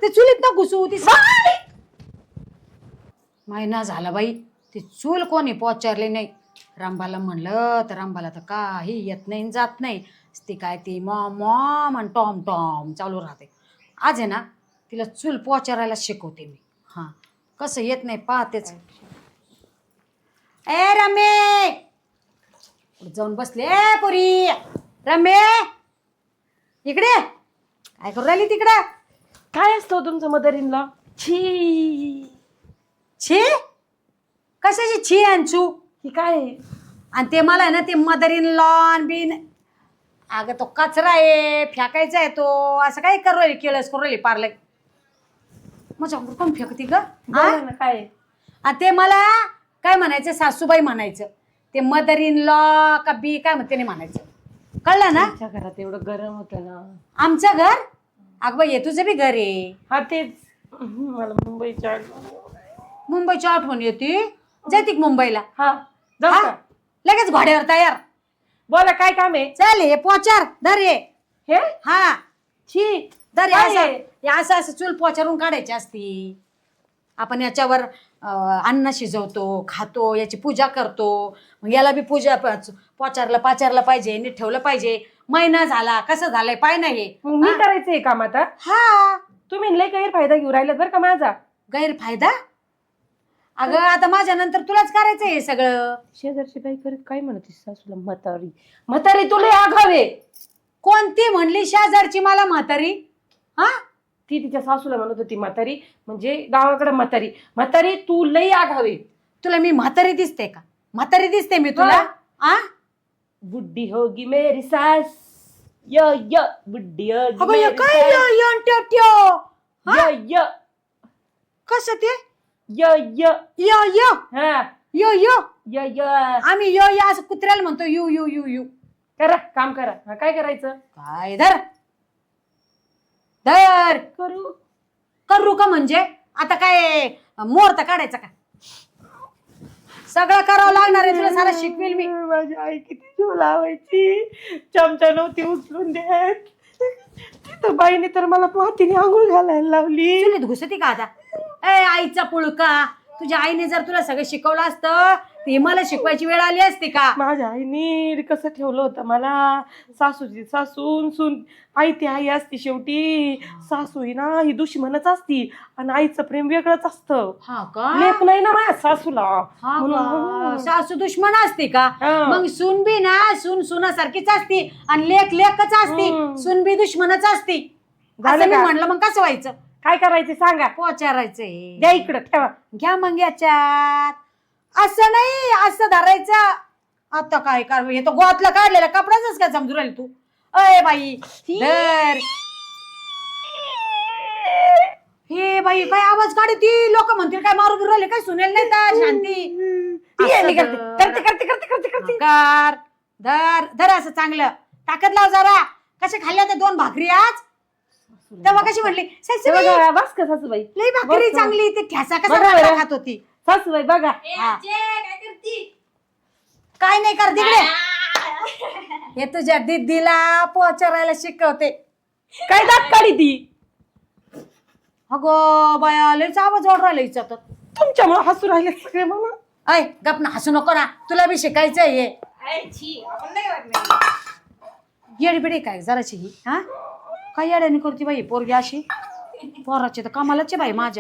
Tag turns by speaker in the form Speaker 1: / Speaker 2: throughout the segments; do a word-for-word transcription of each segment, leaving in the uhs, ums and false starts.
Speaker 1: ते चुलीत ना घुसू ती महिना झाला बाई ती चूल कोणी पोचारली नाही. रामबाला म्हणलं तर रामबाला तर काही येत नाही जात नाही. ती काय ती मॉम मॉम आणि टॉम टॉम चालू राहते. आज आहे ना तिला चूल पोचारायला शिकवते मी. हां कसं येत नाही पाहतेच. ए रमे जाऊन बसले ए पुरी. रमे इकडे काय करू राहिली तिकडे.
Speaker 2: काय असतो तुमचं मदर इन लॉ? छी
Speaker 1: छी कशाची छी आणचू
Speaker 2: ही काय आहे?
Speaker 1: आणि ते मला आहे ना ते मदर इन लॉन बिन अगं तो कचरा आहे फेकायचा आहे तो असं काय करू राहिली केळस करू राहिली पार्ले मजा कोण फेकती ग.
Speaker 2: बोला ना काय आहे?
Speaker 1: आणि ते मला काय म्हणायचं सासूबाई म्हणायचं. ते मदर इन लॉ का बी काय म्हणते नाही म्हणायचं कळलं ना.
Speaker 2: तुमच्या घरात एवढं गरम होतं ना.
Speaker 1: आमचं घर अगं बाई तुझं बी घर आहे.
Speaker 2: हा तेच मला मुंबईच्या
Speaker 1: मुंबईची आठवण येते जाते मुंबईला.
Speaker 2: हा जाऊ
Speaker 1: हा?
Speaker 2: का?
Speaker 1: लगेच घोड्यावर तयार.
Speaker 2: बोला काय काम आहे?
Speaker 1: चल हे पोचार धर ये.
Speaker 2: हे
Speaker 1: हा
Speaker 2: छी
Speaker 1: धर
Speaker 2: काय
Speaker 1: असं
Speaker 2: आहे?
Speaker 1: हे असं असं चूल पोचारून काढायची असती. आपण याच्यावर अं, अन्न शिजवतो खातो याची पूजा करतो. मग याला बी पूजा प- पोचारला पाचारला पाहिजे नीट ठेवलं पाहिजे. महिना झाला कसं झालंय पाय नाही.
Speaker 2: मग मी करायचंय काम आता?
Speaker 1: हा
Speaker 2: तुम्ही लय गैरफायदा घेऊ राहिलात बरं का माझा.
Speaker 1: गैरफायदा अगं आता माझ्या नंतर तुलाच करायचंय हे सगळं.
Speaker 2: शेजारची बाई करत काय म्हणते सासूला म्हातारी म्हातारी तुला आघावे.
Speaker 1: कोणती म्हणली शेजारची मला म्हातारी. हा
Speaker 2: ती तिच्या सासूला म्हणत होती म्हातारी म्हणजे गावाकडे म्हातारी. म्हातारी तू लई आघावे.
Speaker 1: तुला मी म्हातारी दिसते का. म्हातारी दिसते मी तुला. आ
Speaker 2: बुड्ढी होगी मेरी सास य य बुड्ढी होगी
Speaker 1: अगं हे
Speaker 2: मेरी
Speaker 1: काय
Speaker 2: सास.
Speaker 1: यो यो ट्यो ट्यो. हा?
Speaker 2: य य
Speaker 1: कसं ते
Speaker 2: य य
Speaker 1: यो यो
Speaker 2: हा
Speaker 1: यो यो
Speaker 2: य य
Speaker 1: आम्ही यो यो असं कुत्र्याला म्हणतो यू यू यू यू.
Speaker 2: करा काम करा. हा काय करायचं?
Speaker 1: काय धर धर
Speaker 2: करू
Speaker 1: करू का म्हणजे आता काय मुहूर्त काढायचा का. सगळं करावं लागणार आहे तुला सारा शिकवेल मी.
Speaker 2: माझी आई किती जीव लावायची. चमचा नव्हती उचलून देत. तिथं बाईने तर मला मातीने आंघोळ घालायला लावली.
Speaker 1: चुलीत घुसती का आता. ए आईचा पुळका तुझ्या आईने जर तुला सगळं शिकवलं असतं ते मला शिकवायची वेळ आली असती का.
Speaker 2: माझ्या आईने कसं ठेवलं होतं मला. सासूची सासून सून आई ती आई असती शेवटी. सासू ही ना ही दुश्मनच असती आणि आईचं प्रेम वेगळंच असतं.
Speaker 1: हा का
Speaker 2: लेक नाही ना माझ्या सासूला.
Speaker 1: हा
Speaker 2: म्हणून-
Speaker 1: का? सासू दुश्मन असते का.
Speaker 2: हा.
Speaker 1: मग सून बी ना सून सुनासारखीच असती आणि लेख लेखच असती.
Speaker 2: हम्म.
Speaker 1: सून बी दुश्मनच असती.
Speaker 2: झालं
Speaker 1: असं मी
Speaker 2: का?
Speaker 1: म्हणलं मग कसं व्हायचं.
Speaker 2: काय करायचं सांगा.
Speaker 1: पोचारायचंय
Speaker 2: द्या इकडं ठेवा.
Speaker 1: घ्या मग याच्यात. असं नाही असं धरायचं. आता काय कर हे तो गोवातला काढलेला कपडाच काय समजू राहिली तू. अय बाई धर. हे बाई काय आवाज काढती. लोक म्हणतील काय मारू बिरू राहिले काय सुनेल नाही तर शांती.
Speaker 2: ती
Speaker 1: असं
Speaker 2: आली करते
Speaker 1: धर.
Speaker 2: करते करते करते करते करते.
Speaker 1: कर धर धर असं चांगलं ताकद लाव जरा. कशा खाल्ल्या त्या दोन भाकरी आज तेव्हा कशी म्हणली सासूबाई,
Speaker 2: बघा, बस का सासूबाई.
Speaker 1: लई भाकरी
Speaker 2: बस.
Speaker 1: चांगली. ते ठ्यासा कसा
Speaker 2: बघा
Speaker 1: भाकरी
Speaker 2: बरं.
Speaker 1: खात होती.
Speaker 2: सासूबाई बघा.
Speaker 1: हा. काय नाही कर तिकडे. हे तुझ्या दीदीला पोचारायला शिकवते.
Speaker 2: काय दात काढी ती.
Speaker 1: अगो बाया लईच आवाज ओढ राहिला हिचा तर.
Speaker 2: तुमच्यामुळे हसू राहिले सगळे मला.
Speaker 1: ऐ गप ना हसू नको ना तुला बी शिकायचंय हे. येडी बिडी काय जराची ही. हा काय येड्याने करते बाई पोरगी अशी. पोराची तर कामालाच आहे बाई माझ्या.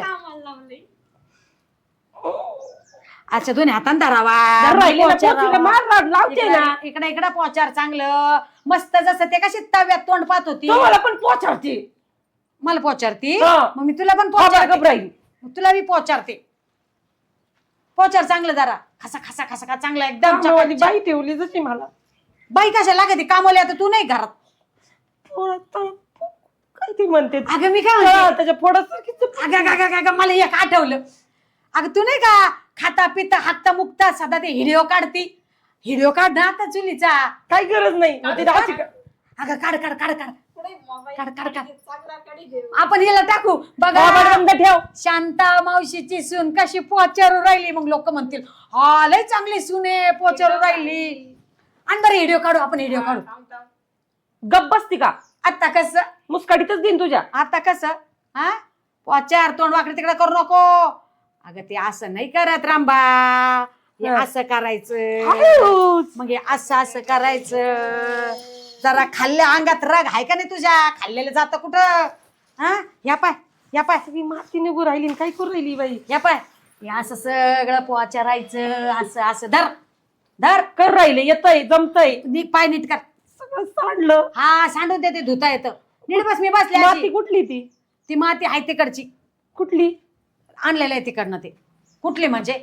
Speaker 1: अच्छा दोन्ही हातान धरावा.
Speaker 2: राहिलेला
Speaker 1: पोचारावा.
Speaker 2: पोचीला मार मार लावते ना.
Speaker 1: इकडे इकडे इकडे पोचार चांगलं मस्त जसं ते कशी तव्यात तोंड पाहत होती.
Speaker 2: तुम्हाला पण पोचारते.
Speaker 1: मला पोचारती
Speaker 2: हा.
Speaker 1: मग मी तुला पण
Speaker 2: पोचार
Speaker 1: पोचारते.
Speaker 2: घबराई.
Speaker 1: तुला बी पोचारते. पोचार चांगलं जरा खसा खसा खसा खा चांगला एकदम
Speaker 2: कामावाली
Speaker 1: चकाचक.
Speaker 2: बाई ठेवली जशी मला.
Speaker 1: बाई कशा लागते कामवली आता तू नाही घरात.
Speaker 2: पोरात काय ती म्हणते.
Speaker 1: अगं मी काय
Speaker 2: हा,
Speaker 1: म्हणते
Speaker 2: त्याच्या पोटासारखीच.
Speaker 1: अगं अगं, अगं, अगं, मला एक आठवलं. अगं तू नाही का खाता पिता हाकता मुक्ता सदा ते व्हिडिओ काढती. व्हिडिओ काढ ना आता चुलीचा.
Speaker 2: काही गरज नाही. मग ती राहायची का?
Speaker 1: अगं काढ काढ काढ काढ काढ काढ काढ आपण हिला टाकू
Speaker 2: बाबा
Speaker 1: बघा.
Speaker 2: बंद ठेव.
Speaker 1: शांता मावशीची सून कशी पोचारू राहिली. मग लोक म्हणतील हा लय चांगली सून आहे पोचारू राहिली. आणि बरं व्हिडिओ काढू आपण व्हिडिओ काढू.
Speaker 2: गप बसती का?
Speaker 1: आता कसं
Speaker 2: मुस्काडीतच देईन तुझ्या.
Speaker 1: आता कसं हा पोचार तोंड वाकडे तिकडे करू नको. अगं ते असं नाही करत रांबा, हे
Speaker 2: हा.
Speaker 1: असं करायचं,
Speaker 2: आयुष.
Speaker 1: मग हे असं असं करायचं. जरा खाल्ल्या अंगात रग आहे का नाही तुझ्या? खाल्लेलं जातं कुठं? हा या पाय या पाय
Speaker 2: सगळी माती निघू राहिली, काय करू राहिली बाई?
Speaker 1: या पाय हे असं सगळं पोचारायचं, असं असं धर धर
Speaker 2: कर राहिले, येतय जमतय,
Speaker 1: नीट पाय नीट कर.
Speaker 2: सगळं सांडलं.
Speaker 1: हा सांडून देते, धुता येतं. नीट बस, मी बसले
Speaker 2: माती
Speaker 1: अशी.
Speaker 2: कुठली ती?
Speaker 1: ती माती आहे तिकडची,
Speaker 2: कुठली?
Speaker 1: आणलेलं आहे तिकडनं. ते कुठली म्हणजे?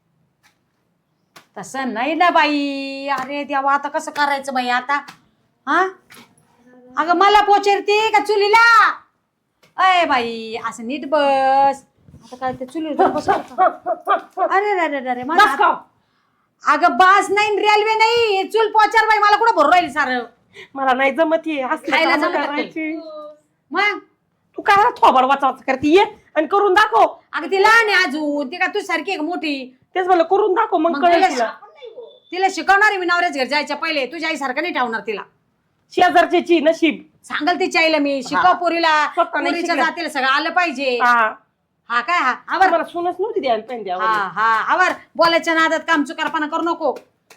Speaker 1: तसं नाही ना बाई. अरे देवा, आता कसं करायचं बाई आता? हा अगं मला पोचरते का चुलीला? अय बाई असं नीट बस. आता काय ते चुलीवर जाऊन बसू का? अरे अरे अरे अरे माझा
Speaker 2: बस का?
Speaker 1: हात- अगं बास नाही, रेल्वे नाही, हे चूल पोचार बाई. मला कुठं भरू राहिली सारं?
Speaker 2: मला नाही जमत ये असलं
Speaker 1: खायला
Speaker 2: कामं
Speaker 1: जमत
Speaker 2: करायची.
Speaker 1: मग
Speaker 2: तू काय थोबाड वाचा वाचा करते, ये आणि करून दाखव.
Speaker 1: अगं ती लहान आहे अजून, ती का तू सारखी आहे का मोठी?
Speaker 2: तेच मला करून दाखव, मग
Speaker 1: मग
Speaker 2: कळेल
Speaker 1: तिला
Speaker 2: तिला.
Speaker 1: तिला शिकवणार आहे मी नवऱ्याच घर जायच्या पहिले. तुझ्या आई सारखं नाही ठेवणार तिला.
Speaker 2: शेजारच्याची नशीब.
Speaker 1: सांगाल तिच्या आईला मी, शिकव पोरीला,
Speaker 2: स्वतः नाही
Speaker 1: पोरीच्या
Speaker 2: शिकणार.
Speaker 1: जातीला सगळं आलं पाहिजे.
Speaker 2: हा,
Speaker 1: हा काय हा आवर.
Speaker 2: मला सुनच नव्हती द्यायला पाहिजे
Speaker 1: हा
Speaker 2: द्यावं.
Speaker 1: हा आवर. बोलायच्या नादात काम चुकारपणा करू नको.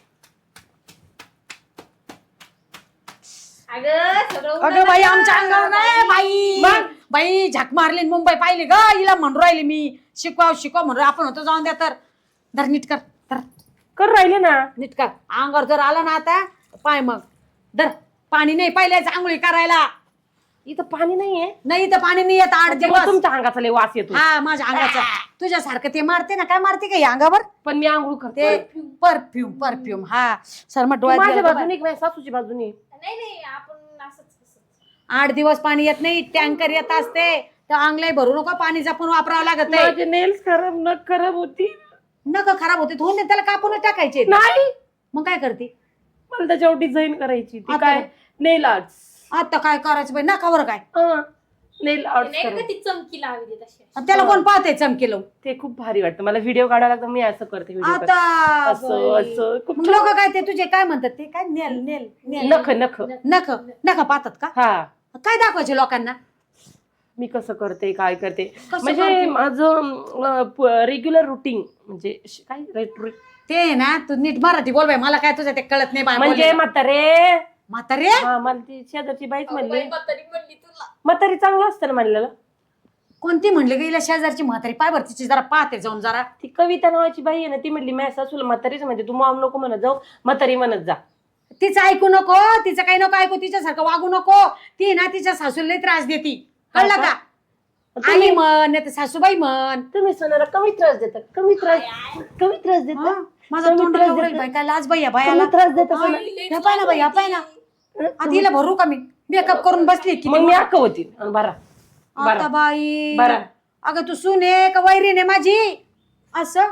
Speaker 1: अगं बाई आमच्या अंगावर नाही बाई.
Speaker 2: मग?
Speaker 1: बाई झक मारली न मुंबई पाहिली ग. हिला म्हणू राहिली मी, शिकवाव शिकवा म्हणून. आपण होतो जाऊन द्या. तर धर नीट कर, धर
Speaker 2: कर राहिले ना.
Speaker 1: नीट कर. अंगावर जर आला ना आता पाय, मग धर. पाणी नाही पहिल्याच आंघोळी करायला.
Speaker 2: इथं पाणी नाहीये.
Speaker 1: नाही तर पाणी नाही येत आठ
Speaker 2: त्यामुळे
Speaker 1: दिवस.
Speaker 2: तुमच्या अंगाचा लय वास येतो.
Speaker 1: हा माझ्या अंगाचा. तुझ्यासारखं ते मारते ना, काय मारते का या अंगावर?
Speaker 2: पण मी आंघोळ
Speaker 1: ते
Speaker 2: करते.
Speaker 1: Perfume perfume. हा सरमट डोळ्यात
Speaker 2: माझ्या
Speaker 1: गेलं तर
Speaker 2: बाजूने माझ्या सासूची बाजूने.
Speaker 3: नाही नाही आपण असंच
Speaker 1: आठ दिवस पाणी येत नाही. टँकर येत असते तर अंगलाई भरू नको, पाणी जपून वापरावं लागत आहे.
Speaker 2: माझे नेल्स खराब नख खराब होती.
Speaker 1: नका खराब होते, धुवून दे, त्याला कापूनच टाकायचे.
Speaker 2: नाही,
Speaker 1: मग काय करते
Speaker 2: मला त्याच्यावर डिझाईन करायची. ती
Speaker 1: आता?
Speaker 2: काय नेल आर्ट्स.
Speaker 1: आता काय करायचं बाई? नकावर काय?
Speaker 2: नेल आर्ट्स
Speaker 3: नाही का
Speaker 2: करायची.
Speaker 3: ती चमकी लावली तशी.
Speaker 1: आणि त्याला कोण पाहते चमकेलो?
Speaker 2: ते खूप भारी वाटतं मला. व्हिडिओ काढायला लागतं, मी असं करते व्हिडिओ.
Speaker 1: आता
Speaker 2: असं
Speaker 1: बाई.
Speaker 2: असं खूप
Speaker 1: मग लोक काय ते तुझे काय म्हणतात, ते काय नेल नेल नेल
Speaker 2: नख नख.
Speaker 1: नख नख पाहतात का?
Speaker 2: हा,
Speaker 1: काय दाखवायचे लोकांना?
Speaker 2: मी कसं करते काय करते
Speaker 1: कसं
Speaker 2: म्हणजे
Speaker 1: करते?
Speaker 2: माझं रेग्युलर रुटीन म्हणजे श- काय रे-
Speaker 1: ते ना तू नीट मराठी बोल बाई. मला काय तुझं ते कळत नाही बाई.
Speaker 2: म्हणजे
Speaker 1: बोलायला.
Speaker 2: म्हातारे.
Speaker 1: म्हातारे
Speaker 2: हा, मला ती शेजारची बाईच म्हणली
Speaker 3: बाई म्हातारी म्हणली तुला.
Speaker 2: म्हातारी चांगलं असतं ना म्हणलेलं.
Speaker 1: कोणती म्हणली गेला शेजारची म्हातारी? पाय भर तिची जरा पाहते जाऊन जरा.
Speaker 2: ती कविता नावाची बाई आहे ना, ती म्हणली माझ्या सासूला म्हातारीच म्हणजे तू मॉम नको म्हणत जाऊ, म्हातारी म्हणत जा.
Speaker 1: तिचं ऐकू नको, तिचं काही नको ऐकू, तिच्यासारखं वागू नको. ती ना तिच्या सासूला लई त्रास देती, कळलं
Speaker 2: हा
Speaker 1: का?
Speaker 2: का?
Speaker 1: आई म्हण नाही तर सासूबाई म्हण.
Speaker 2: तुम्ही सोनाला कमी त्रास देता, कमी त्रास कमी त्रास
Speaker 1: हा?
Speaker 2: देता,
Speaker 1: माझा
Speaker 2: कमी
Speaker 1: तोंड
Speaker 2: त्रास
Speaker 1: लावून
Speaker 2: देता.
Speaker 1: बाई, काय लाज बाई या
Speaker 2: कमी
Speaker 1: बायाला.
Speaker 2: त्रास देता
Speaker 1: हा?
Speaker 2: सोना.
Speaker 1: हे पाय ना बाई, हा पाय ना. आता हिला भरू का मी? मेकअप करून बसली की
Speaker 2: मग मी अक्क होती बरा
Speaker 1: आता
Speaker 2: बरा
Speaker 1: बाई.
Speaker 2: बरा.
Speaker 1: अगं तू सुने का वैरीने माझी? असं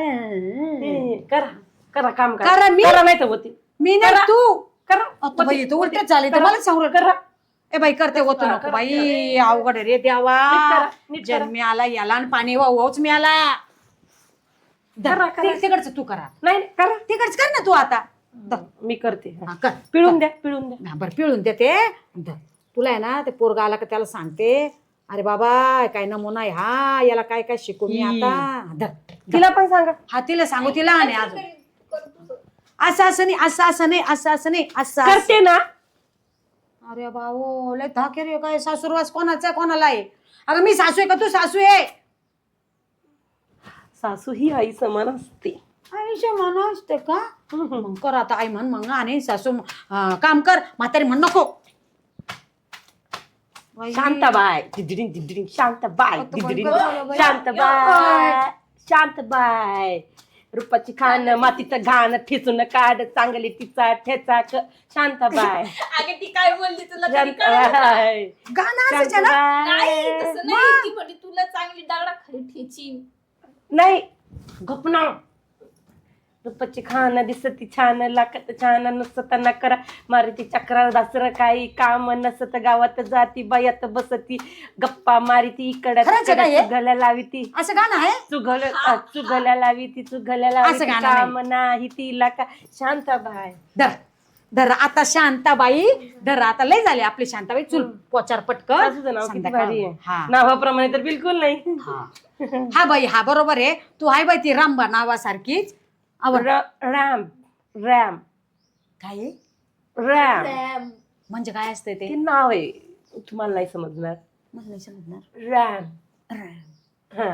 Speaker 2: हे, करा करा काम
Speaker 1: करा,
Speaker 2: करा
Speaker 1: मी?
Speaker 2: करा नाही तर होती
Speaker 1: मी नाही
Speaker 2: करा.
Speaker 1: तू.
Speaker 2: करा
Speaker 1: आता बाई तू उलटच झाले तर
Speaker 2: करा.
Speaker 1: मला सांगू
Speaker 2: करा.
Speaker 1: ए बाई करते होतो
Speaker 2: करा,
Speaker 1: नको
Speaker 2: करा,
Speaker 1: बाई. अवघड आहे रे देवा.
Speaker 2: नीट करा, नीट करा.
Speaker 1: जन्मी आला याला आणि पाणी वाहूच मी आला.
Speaker 2: करा, करा.
Speaker 1: तिकडचं तू करा.
Speaker 2: नाही नाही, करा.
Speaker 1: तिकडच कर ना तू आता. धर.
Speaker 2: मी करते.
Speaker 1: हा, कर.
Speaker 2: पिळून द्या पिळून द्या.
Speaker 1: हा, बरं पिळून देते. धर. तुला आहे ना ते पोरगा आला का त्याला सांगते, अरे बाबा काय नमुना आहे हा, याला काय काय शिकू मी आता. धर.
Speaker 2: तिला पण सांगा.
Speaker 1: हा तिला सांगू, तिला आणि अजून
Speaker 3: कर तुझं.
Speaker 1: असं असं नाही, असं असं नाही, असं असं नाही, असं असं.
Speaker 2: करते ना.
Speaker 1: अरे बाबो लय धाके रे. काय सासूरवास कोणाचा आहे, कोणाला आहे? अगं मी सासू आहे का तू सासू आहे?
Speaker 2: सासू ही आई समान असते.
Speaker 1: आईच्या मन असते का? मग कर आता. आई म्हण मग आणि सासू अं, काम कर. म्हातारी म्हण नको. बाई.
Speaker 2: शांताबाई दिदडिंग दिदडिंग शांताबाई
Speaker 1: आता
Speaker 2: दिदडिंग
Speaker 1: बंद झालं बाई.
Speaker 2: शांताबाई शांताबाई रूपाची खान मातीचं घाण ठेचून काढ चांगली तिचा ठेचा क- शांताबाई
Speaker 3: अगं ती काय बोलली तुला तरी कळलं का?
Speaker 2: शांताबाई
Speaker 1: गाणं असायचं ना?
Speaker 3: नाही
Speaker 2: शांताबाई.
Speaker 3: तसं नाही. ती म्हणली तुला चांगली दगडा खाली ठेची.
Speaker 2: नाही गपना रूपाची खान दिसती छान लाकत छान नसत नकरा मारती चक्रा दासर काही काम नसत गावात जाती बायात बसती गप्पा मारिती इकडे
Speaker 1: खरंच आहे का हे?
Speaker 2: चुगल्या लावी ती
Speaker 1: असं गाणं आहे?
Speaker 2: चुगल चुगल्या लावी ती चुगल्या लावी
Speaker 1: असं
Speaker 2: ती
Speaker 1: गाणं
Speaker 2: काम नाही तिला का शांताबाई
Speaker 1: धर. धर आता शांताबाई, धर आता लय झाले आपली शांताबाई. चूल पोचार पटकन.
Speaker 2: तुझं नाव किती
Speaker 1: संध्याकाळ.
Speaker 2: भारी आहे.
Speaker 1: हा
Speaker 2: नावाप्रमाणे तर बिलकुल नाही.
Speaker 1: हा हा बाई, हा बरोबर आहे. तू हाय बाई ती रामबा नावासारखीच. आवड
Speaker 2: रॅम रॅम
Speaker 1: काय आहे?
Speaker 2: रॅम
Speaker 3: रॅम
Speaker 1: म्हणजे काय असतंय
Speaker 2: ते
Speaker 1: ते?
Speaker 2: नाव आहे, तुम्हाला नाही समजणार.
Speaker 1: मला नाही समजणार.
Speaker 2: RAM
Speaker 1: RAM.
Speaker 2: हा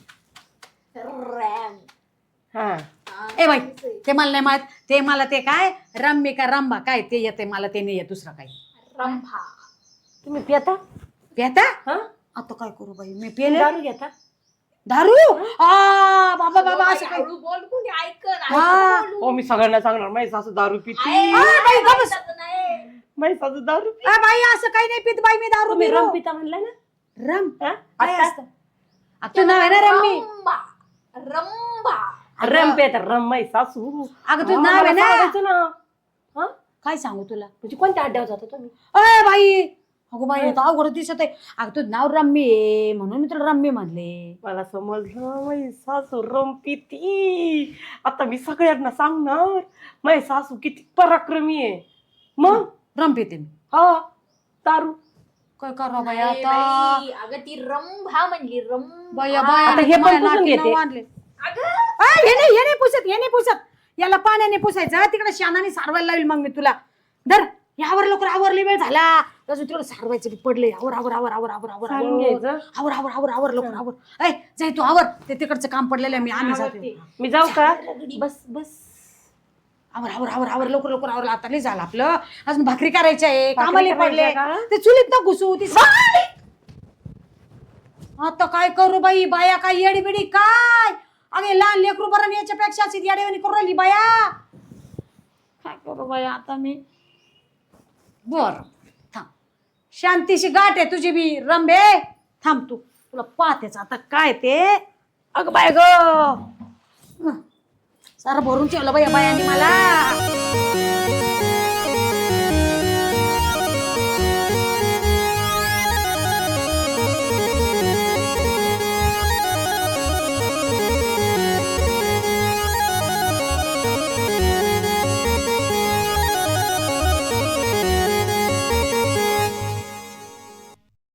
Speaker 3: रॅम
Speaker 2: हा
Speaker 1: ए बाई ते मला नाही माहित. ते मला ते काय रम्मी का रंबा काय ते येते मला, ते नाही येत दुसरं काही.
Speaker 3: रंभा.
Speaker 2: तुम्ही पिता?
Speaker 1: पेता
Speaker 2: हा
Speaker 1: आता काय करू बाई, मी पेले
Speaker 2: दारू घेता?
Speaker 1: दारू. आ बाबा बाबा असं काय.
Speaker 3: हळू बोल, कोणी ऐकन.
Speaker 1: हा.
Speaker 3: ऐकून बोलू.
Speaker 2: हो मी सगळ्यांना सांगणार माझी सासू दारू पिती.
Speaker 3: आहे,
Speaker 1: आ, बाई, गप्प बस.
Speaker 3: ऐकायचं नाही.
Speaker 2: माझी सासू दारू पिती.
Speaker 1: आ, बाई असं काही नाही पित बाई मी दारू.
Speaker 2: तुम्ही
Speaker 1: बिरू.
Speaker 2: रम पिता म्हणला ना?
Speaker 1: रम
Speaker 2: हा?
Speaker 1: काय
Speaker 2: आता?
Speaker 1: असतं? आ, तू नाव आहे ना रम्मी.
Speaker 3: रंभा. रंभा.
Speaker 2: रम पेता रम माझी सासू.
Speaker 1: अगं तुझं
Speaker 2: हा,
Speaker 1: नाव आहे
Speaker 2: मला
Speaker 1: ना.
Speaker 2: सांगायचं ना. हा?
Speaker 1: काय सांगू तुला?
Speaker 2: म्हणजे कोणत्या अड्ड्यावर जाता तुम्ही?
Speaker 1: अय बाई, अगो बाई आता अवघड दिसत आहे. अगं तुझं नाव रम्मी आहे म्हणून मी तुला रम्मी म्हणले.
Speaker 2: मला समजलं माझी सासू रम पिती. आता मी सगळ्यांना सांगणार माझी सासू किती पराक्रमी आहे. मग
Speaker 1: रम पिते मी.
Speaker 2: हा दारू.
Speaker 1: काय करा बाई
Speaker 3: नाही
Speaker 1: आता?
Speaker 3: बाई, अगं ती रंभा म्हणली रंभा.
Speaker 1: बाया बाया
Speaker 2: आता हे पण
Speaker 1: माझ्या
Speaker 2: पुसून
Speaker 1: नाकीनं
Speaker 2: घेते.
Speaker 1: वाढले.
Speaker 3: अगं
Speaker 1: आ, हे नाही हे नाही पुसत, हे नाही पुसत. याला पाण्याने पुसायचं, तिकडे शानाने सारवायला लावेल मग मी तुला. धर यावर लवकर, आवरली वेळ झाला. अजून तिकडे सारवायचं बी पडले. आवर आवर आवर आवर आवर आवर
Speaker 2: सांगून
Speaker 1: आवर
Speaker 2: घ्यायचं.
Speaker 1: आवर आवर आवर आवर लवकर आवर. ऐ जाय तू आवर, ते तिकडचं काम पडलेलं आहे. मी आम्ही जाते.
Speaker 2: मी जाऊ का? बस बस
Speaker 1: आवर आवर आवर आवर लवकर लवकर आवर. आता लय झालं आपलं. अजून भाकरी करायची आहे,
Speaker 2: भाकरी
Speaker 1: कामाला पडले.
Speaker 2: करायची आहे का?
Speaker 1: ते चुलीत ना घुसू ती. आता काय करू बाई, बाया काय येडी बिडी काय. अगे लहान लेकरू बरं याच्यापेक्षा अशी येडेवानी करू राहिली बाया. काय करू बाया आता मी. बर थांब, शांतीशी गाठ आहे तुझी बी रंबे. थांब तू, तुला पाहतेच आता काय ते. अग बाय ग, सारं भरून ठेवलं बाया बायांनी मला.